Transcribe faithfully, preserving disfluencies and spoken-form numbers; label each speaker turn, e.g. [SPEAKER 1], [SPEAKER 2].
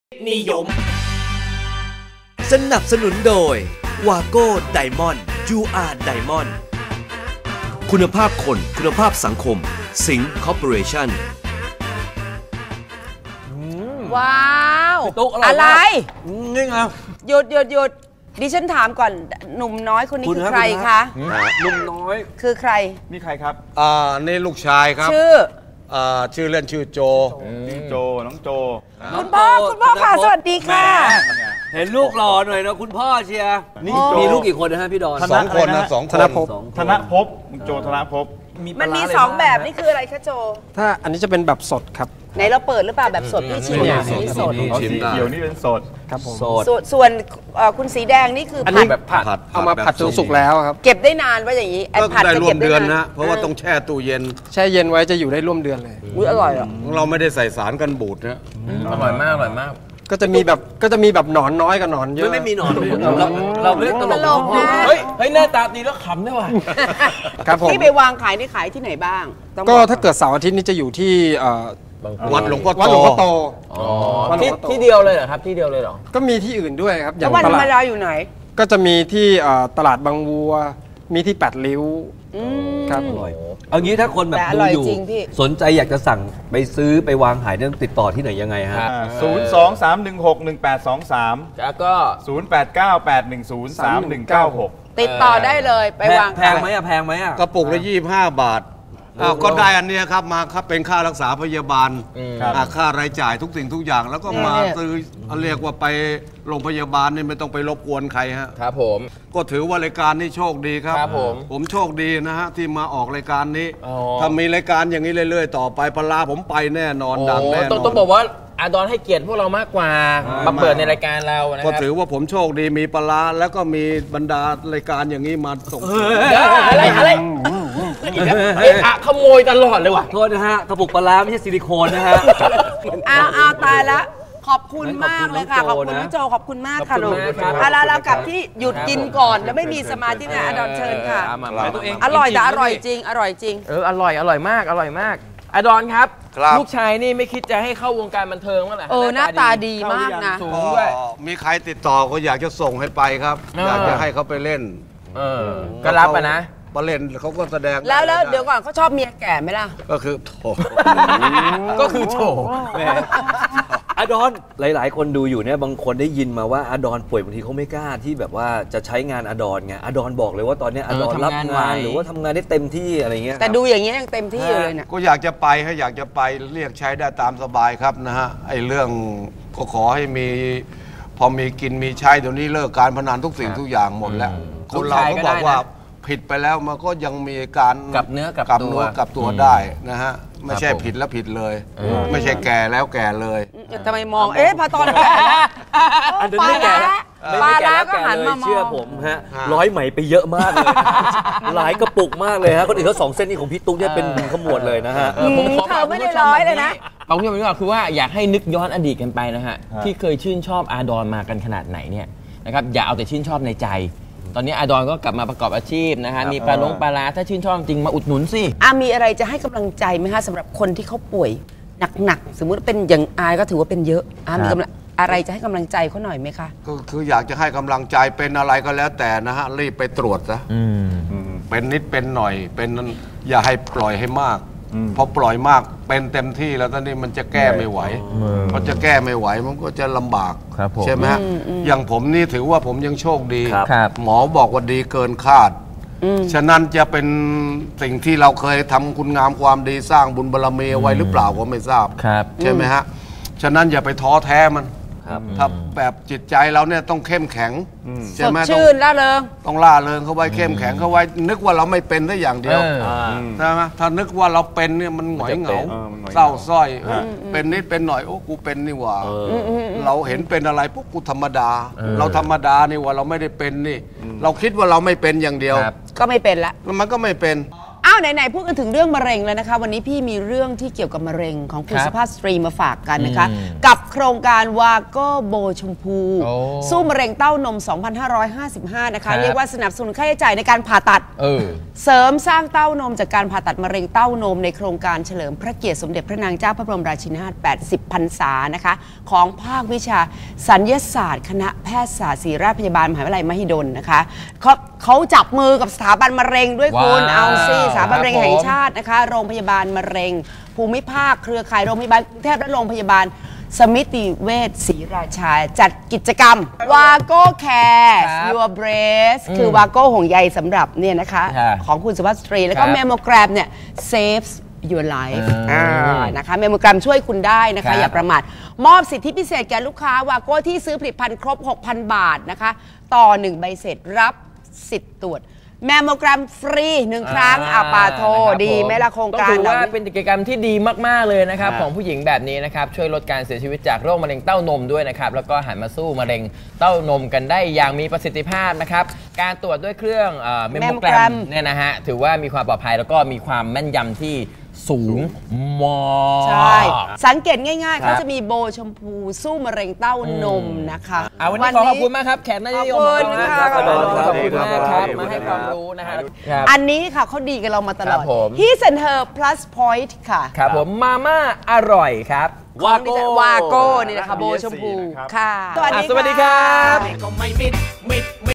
[SPEAKER 1] นิยมสนับสนุนโดยวาโก้ไดมอนด์ ยู อาร์ Diamond คุณภาพคนคุณภาพสังคมสิงห์คอร์ปอเรชั่น
[SPEAKER 2] ว้าวอะไรนี่ไงหยุดหยุดหยุดดิฉันถามก่อนหนุ่มน้อยคนนี้คือใครคะ
[SPEAKER 3] หนุ่มน้อย
[SPEAKER 2] คือใคร
[SPEAKER 3] นี่ใครครับ
[SPEAKER 4] อ่านี่ลูกชายครับ
[SPEAKER 2] ชื่อ
[SPEAKER 4] อ่าชื่อเล่นชื่อโจ
[SPEAKER 3] โจน้องโจ
[SPEAKER 2] คุณพ่อคุณพ่อค่ะสวัสดีค่ะ
[SPEAKER 1] เห็นลูกหล่อหน่อยนะคุณพ่อเชียร์มีลูกกี่คนนะฮะพี่ดอน
[SPEAKER 4] สองคนนะสองคนธนภพ
[SPEAKER 3] ธนภพโจธนภพ
[SPEAKER 2] มันมีสองแบบนี่คืออะไรคะโจ
[SPEAKER 5] ถ้าอันนี้จะเป็นแบบสดครับ
[SPEAKER 2] ไหนเราเปิดหรือเปล่าแบบสดพี่ชิมเนี่ยสีสด
[SPEAKER 3] สีเขียวนี่เป็นสด
[SPEAKER 5] ครับผม
[SPEAKER 2] ส่วนคุณสีแดงนี่คือผัด
[SPEAKER 5] แบบผัดเอามาผัดจนสุกแล้วครับ
[SPEAKER 2] เก็บได้นานว่าอย่างนี้
[SPEAKER 4] ผัดจะเก็บได้เดือนนะเพราะว่าต้องแช่ตู้เย็น
[SPEAKER 5] แช่เย็นไว้จะอยู่ได้ร่วมเดือนเลย
[SPEAKER 2] อุ้ยอร่อยอ่ะ
[SPEAKER 4] เราไม่ได้ใส่สารกันบูดนะ
[SPEAKER 3] อร่อยมากอร่อยมาก
[SPEAKER 5] ก็จะมีแบบก็จะมีแบบหนอนน้อยกับหนอนเยอะ
[SPEAKER 1] ไม่มีหนอนเราเราเรียกตลก
[SPEAKER 3] เฮ้ยเฮ้ยหน้าตาดีแล้วขำได้ว่ะ
[SPEAKER 5] ครับผม
[SPEAKER 2] ที่ไปวางขายนี่ขายที่ไหนบ้าง
[SPEAKER 5] ก็ถ้าเกิดเสาร์อาทิตย์นี้จะอยู่ที่
[SPEAKER 4] วัดหลวงพ่อโต
[SPEAKER 5] วัดหลวงพ่อโต
[SPEAKER 3] ที่ที่เดียวเลยเหรอครับที่เดียวเลยเหรอ
[SPEAKER 5] ก็มีที่อื่นด้วยครับ
[SPEAKER 2] อย่างวันธรรมดาอยู่ไหน
[SPEAKER 5] ก็จะมีที่ตลาดบางวัวมีที่แปดริ้วครับอร่อย
[SPEAKER 1] เอางี้ถ้าคนแบบดูอยู่สนใจอยากจะสั่งไปซื้อไปวางขายเนี่ยติดต่อที่ไหนยังไงฮะ
[SPEAKER 3] ศูนย์ สอง สาม หนึ่ง หก หนึ่ง แปด สอง สามแล้วก็ศูนย์ แปด เก้า แปด หนึ่ง ศูนย์ สาม หนึ่ง เก้า หก
[SPEAKER 2] ติดต่อได้เลยไปวาง
[SPEAKER 1] แพงไหมอะแพงไหมอะ
[SPEAKER 4] กระปุกละยี่สิบห้าบาทก็ได้อันนี้ครับมาครับเป็นค่ารักษาพยาบาลค่ารายจ่ายทุกสิ่งทุกอย่างแล้วก็มาซื้อเรียกว่าไปโรงพยาบาลนี่ไม่ต้องไปรบกวนใครฮะ
[SPEAKER 3] ครับผม
[SPEAKER 4] ก็ถือว่ารายการนี้โชคดีครับ
[SPEAKER 3] ครับผม
[SPEAKER 4] ผมโชคดีนะฮะที่มาออกรายการนี้ถ้ามีรายการอย่างนี้เรื่อยๆต่อไปปลาผมไปแน่นอนดังแน่นอน
[SPEAKER 3] ต้องบอกว่าอาดอนให้เกียรติพวกเรามากกว่ามาเปิดในรายการเรานะครับ
[SPEAKER 4] ก็ถือว่าผมโชคดีมีปลาแล้วก็มีบรรดารายการอย่างนี้มาส่ง
[SPEAKER 3] อะไรอะไรเอะอะขโมยตลอดเลยว่ะ
[SPEAKER 1] โทษนะฮะกระปุกปลาไม่ใช่ซิลิโคนนะฮะ
[SPEAKER 2] อ้าวอ้าวตายละขอบคุณมากเลยค่ะขอบคุณน้องโจขอบคุณมากค่ะลูกเอาละเรากลับที่หยุดกินก่อนแล้วไม่มีสมาธินะอดอนเชิญค่ะอร่อยแต่อร่อยจริงอร่อยจริง
[SPEAKER 3] เอออร่อยอร่อยมากอร่อยมากอดอนครับลูกชายนี่ไม่คิดจะให้เข้าวงการบันเทิงมั้งเหรอ
[SPEAKER 2] เออหน้าตาดีมากนะ
[SPEAKER 4] สูงด้วยมีใครติดต่อก็อยากจะส่งให้ไปครับอยากจะให้เขาไปเล่น
[SPEAKER 3] ก็รับไปนะ
[SPEAKER 4] ไปเล่นเขาก็แสดง
[SPEAKER 2] แล้วแล้วเดี๋ยวก่อนเขาชอบเมียแก่ไหมล่ะ
[SPEAKER 4] ก็คือโถ
[SPEAKER 3] ก็คือโถ
[SPEAKER 1] อดอนหลายๆคนดูอยู่เนี่ยบางคนได้ยินมาว่าอดอนป่วยบางทีเขาไม่กล้าที่แบบว่าจะใช้งานอดอนไงอดอนบอกเลยว่าตอนนี้อดอนรับงานหรือว่าทำงานได้เต็มที่อะไรเงี้ย
[SPEAKER 2] แต่ดูอย่างเงี้ยยังเต็มที่อยู่เลยเนี่ย
[SPEAKER 4] ก็อยากจะไปให้อยากจะไปเรียกใช้ได้ตามสบายครับนะฮะไอ้เรื่องก็ขอให้มีพอมีกินมีใช้เดี๋ยวนี้เลิกการพนันทุกสิ่งทุกอย่างหมดแล้วคนเราก็บอกว่าผิดไปแล้วมันก็ยังมีการ
[SPEAKER 3] กลับเนื้อ
[SPEAKER 4] กับตัวกับตัวได้นะฮะไม่ใช่ผิดแล้วผิดเลยไม่ใช่แก่แล้วแก่เลย
[SPEAKER 2] ทำไมมองเอ๊ะพอตอนแก่
[SPEAKER 1] อันนี้ไม่แก่แล้วปลาแล้วก็หันมามองเชื่อผมฮะร้อยไหมไปเยอะมากเลยหลายกระปุกมากเลยฮะคนอื่นเขาสองเส้นนี้ของพี่ตุ๊กเนี่ยเป็นขมวดเลยนะฮะ
[SPEAKER 2] ผมเธอไม่ได้ร้อยเลยนะ
[SPEAKER 3] เอาที่ผมบอกคือว่าอยากให้นึกย้อนอดีตกันไปนะฮะที่เคยชื่นชอบอาดอนมากันขนาดไหนเนี่ยนะครับอย่าเอาแต่ชื่นชอบในใจตอนนี้อาดอนก็กลับมาประกอบอาชีพนะฮะมีปลาลงปลาร้าถ้าชื่นชอบจริงมาอุดหนุนสิ
[SPEAKER 2] อามีอะไรจะให้กำลังใจไหมคะสำหรับคนที่เขาป่วยหนักๆสมมุติเป็นอย่างอายก็ถือว่าเป็นเยอะอามีกำลังอะไรจะให้กำลังใจเขาหน่อยไหมคะ
[SPEAKER 4] ก็คืออยากจะให้กำลังใจเป็นอะไรก็แล้วแต่นะฮะรีบไปตรวจซะเป็นนิดเป็นหน่อยเป็นอย่าให้ปล่อยให้มากพอปล่อยมากเป็นเต็มที่แล้วตอนนี้มันจะแก้ไม่ไหวพอจะแก้ไม่ไหวมันก็จะลำบากใช่ไหมฮะอย่างผมนี่ถือว่าผมยังโชคดีหมอบอกว่าดีเกินคาดฉะนั้นจะเป็นสิ่งที่เราเคยทำคุณงามความดีสร้างบุญบารมีไว้หรือเปล่าก็ไม่ทราบใช่ไหมฮะฉะนั้นอย่าไปท้อแท้มันถ้าแบบจิตใจเราเนี่ยต้องเข้มแข็ง
[SPEAKER 2] ใช่ไหมชื่นล่าเริง
[SPEAKER 4] ต้องล่าเริงเขาไว้เข้มแข็งเขาไว้นึกว่าเราไม่เป็นได้อย่างเดียวใช่ไหมถ้านึกว่าเราเป็นเนี่ยมันหงอยเหงาเศร้าส้อยเป็นนิดเป็นหน่อยโอ้กูเป็นนี่หว่าเราเห็นเป็นอะไรปุ๊บกูธรรมดาเราธรรมดานี่ว่าเราไม่ได้เป็นนี่เราคิดว่าเราไม่เป็นอย่างเดียว
[SPEAKER 2] ก็ไม่เป็นละ
[SPEAKER 4] มันก็ไม่เป็น
[SPEAKER 2] อ้าวไหนๆพูดกันถึงเรื่องมะเร็งแล้วนะคะวันนี้พี่มีเรื่องที่เกี่ยวกับมะเร็งของคุณ
[SPEAKER 3] ครับ
[SPEAKER 2] สุภาพสตรีมาฝากกันนะคะ
[SPEAKER 3] อืม
[SPEAKER 2] กับโครงการวาโก้โบชมพู
[SPEAKER 3] โอ้
[SPEAKER 2] สู้มะเร็งเต้านม สองพันห้าร้อยห้าสิบห้า นะ
[SPEAKER 3] ครั
[SPEAKER 2] คะ
[SPEAKER 3] บ
[SPEAKER 2] เรียกว่าสนับสนุนค่าใช้จ่ายในการผ่าตัด
[SPEAKER 3] เออ
[SPEAKER 2] เสริมสร้างเต้านมจากการผ่าตัดมะเร็งเต้านมในโครงการเฉลิมพระเกียรติสมเด็จพระนางเจ้าพระบรมราชินีนาถ แปดสิบ พรรษานะคะของภาควิชาศัลยศาสตร์คณะแพทยศาสตร์ศิริราชพยาบาลมหาวิทยาลัยมหิดลนะคะเขาเขาจับมือกับสถาบันมะเร็งด้วยคุณ
[SPEAKER 3] ว้าว
[SPEAKER 2] เอาซิสถาบันมะเร็ง
[SPEAKER 3] ครับผม
[SPEAKER 2] แห่งชาตินะคะโรงพยาบาลมะเร็ง ภูมิภาคเครือข่ายโรงพยาบาลกรุงเทพและโรงพยาบาลสมิติเวชศรีราชาจัดกิจกรรมวาโก้แคร์
[SPEAKER 3] ครับ
[SPEAKER 2] Your Breast คือวาโก้ห่วงใยสำหรับเนี่ยนะคะ
[SPEAKER 3] ค่ะ
[SPEAKER 2] ของคุณสุภาพสตรี แล้ว
[SPEAKER 3] ค
[SPEAKER 2] ก็
[SPEAKER 3] รับ
[SPEAKER 2] เมมโมแกรมเนี่ย saves your life
[SPEAKER 3] อ่า
[SPEAKER 2] อ่านะคะเมมโมแกรมช่วยคุณได้นะ
[SPEAKER 3] ครั
[SPEAKER 2] คะ
[SPEAKER 3] บ
[SPEAKER 2] อย่าประมาทมอบสิทธิพิเศษแก่ลูกค้าวาโก้ที่ซื้อผลิตภัณฑ์ครบ หกพัน บาทนะคะต่อหนึ่งใบเสร็จรับสิทธิ์ตรวจแมมโมแกรมฟรีหนึ่งครั้งอาปาโท
[SPEAKER 3] นะครับ
[SPEAKER 2] ดี
[SPEAKER 3] ผม
[SPEAKER 2] ไหมล่ะโครง
[SPEAKER 3] ต้อง
[SPEAKER 2] การ
[SPEAKER 3] ถือว่า
[SPEAKER 2] เรา
[SPEAKER 3] เป็นกิจกรรมที่ดีมาก ๆ เลยนะครับ
[SPEAKER 1] ครับ
[SPEAKER 3] ของผู้หญิงแบบนี้นะครับช่วยลดการเสียชีวิตจากโรคมะเร็งเต้านมด้วยนะครับแล้วก็หันมาสู้มะเร็งเต้านมกันได้อย่างมีประสิทธิภาพนะครับการตรวจด้วยเครื่องเมมโมแกรม
[SPEAKER 2] Mammogram
[SPEAKER 3] เนี่ยนะฮะถือว่ามีความปลอดภัยแล้วก็มีความแม่นยำที่สูงมาก
[SPEAKER 2] ใช่ สังเกตง่ายๆ
[SPEAKER 3] ครับ
[SPEAKER 2] เขาจะมีโบชมพูสู้มะเร็งเต้านมนะคะ
[SPEAKER 3] อ่ะวันนี้ขอขอบคุณมากครับแขกนักนิยม
[SPEAKER 2] ขอบคุณ
[SPEAKER 3] ของ
[SPEAKER 2] ค่ะ
[SPEAKER 3] เรานะ
[SPEAKER 2] ขอบคุณ
[SPEAKER 3] ขอบคุณมากครับ
[SPEAKER 4] ขอบคุณ
[SPEAKER 3] มาให้
[SPEAKER 4] ค
[SPEAKER 3] ครับ วามรู้นะฮะครับ
[SPEAKER 2] อันนี้ค่ะเขาดีกับเรามาตลอด
[SPEAKER 3] ครับผม
[SPEAKER 2] His and Her Plus Point ค่ะ
[SPEAKER 3] ครับผมมาม่าอร่อยครับ
[SPEAKER 2] วาโก้วาโก้นี่นะคะโบชมพูค่ะ
[SPEAKER 3] อ่ะสวัสดีครับ
[SPEAKER 6] ก็ไม่มิดมิด